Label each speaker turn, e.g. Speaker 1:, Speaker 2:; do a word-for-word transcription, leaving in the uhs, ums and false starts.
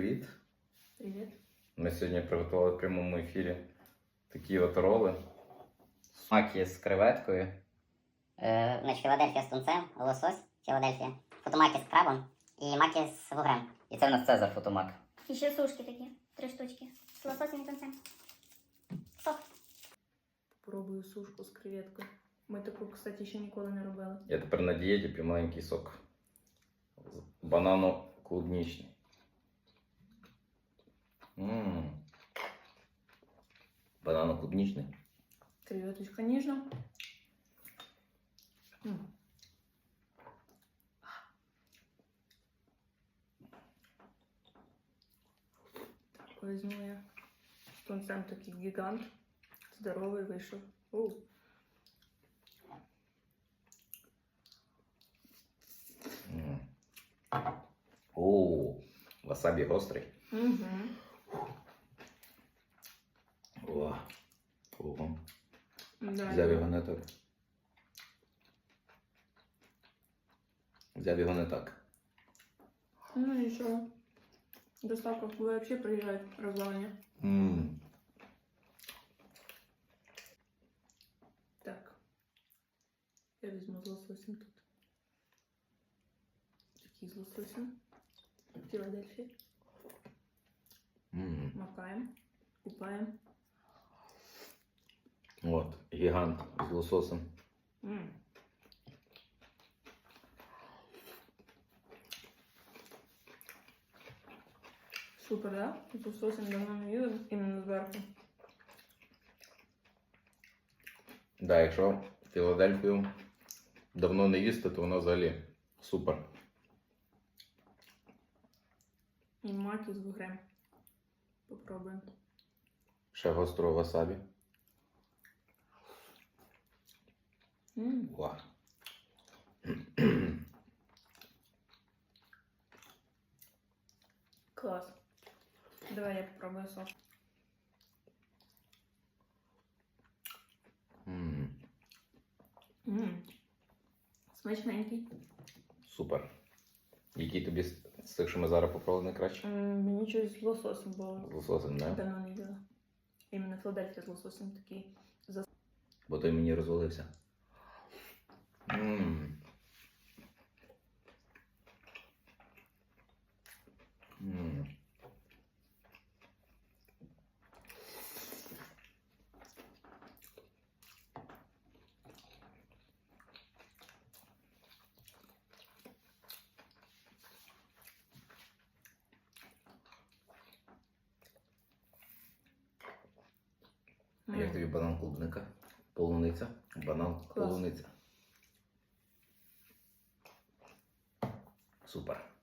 Speaker 1: привіт!
Speaker 2: Привіт.
Speaker 1: Ми сьогодні приготували в прямому ефірі такі от роли. Маки з креветкою.
Speaker 3: Е, значить, Філадельфія з тунцем, лосось, Філадельфія, фотомаки з крабом і маки з вугрем. І це в нас Цезар фотомак.
Speaker 4: І ще сушки такі, три штучки. З лососем і тунцем. Сок.
Speaker 2: Попробую сушку з креветкою. Ми таку, кстати, ще ніколи не робили.
Speaker 1: Я тепер на дієті п'ю маленький сок. Банано-клубнічний. Ммм. Банано-клубнічний.
Speaker 2: Креветочка ніжна. М. Так, візьму я. З тунцем такий гігант. Здоровий вийшов. У.
Speaker 1: Ммм. О, васабі гострий.
Speaker 2: Угу.
Speaker 1: О, ого.
Speaker 2: Да,
Speaker 1: Взяв його не так. Взяв його не так.
Speaker 2: Ну нічого. Доставка взагалі приїжджає розвалення.
Speaker 1: Ммм.
Speaker 2: Так. Я візьму з лососем тут. Такий з лососем. Філадельфія.
Speaker 1: Ммм.
Speaker 2: Макаємо. Купаємо.
Speaker 1: От, гігант з лососем.
Speaker 2: М. Супер, да? З лососем давно не їли, іменно зверху.
Speaker 1: Да, якщо Філадельфію давно не їсти, то вона взагалі супер.
Speaker 2: І маки з вугрем. Попробуємо.
Speaker 1: Ще гострого васабі.
Speaker 2: М.
Speaker 1: Ва.
Speaker 2: Клас. Давай я попробую сок.
Speaker 1: М,
Speaker 2: М. Смачненький.
Speaker 1: Супер. Який тобі з з тих, що ми зараз попробували, найкраще?
Speaker 2: М, Мені щось з лососем було.
Speaker 1: З лососем, не?
Speaker 2: Давно не їла. Іменно Філадельфія з лососем такий.
Speaker 1: Бо той мені розвалився. Ммм. Ммм. А як
Speaker 2: М.
Speaker 1: тобі банан клубника? Полуниця? Банан
Speaker 2: Клас.
Speaker 1: полуниця. Супер.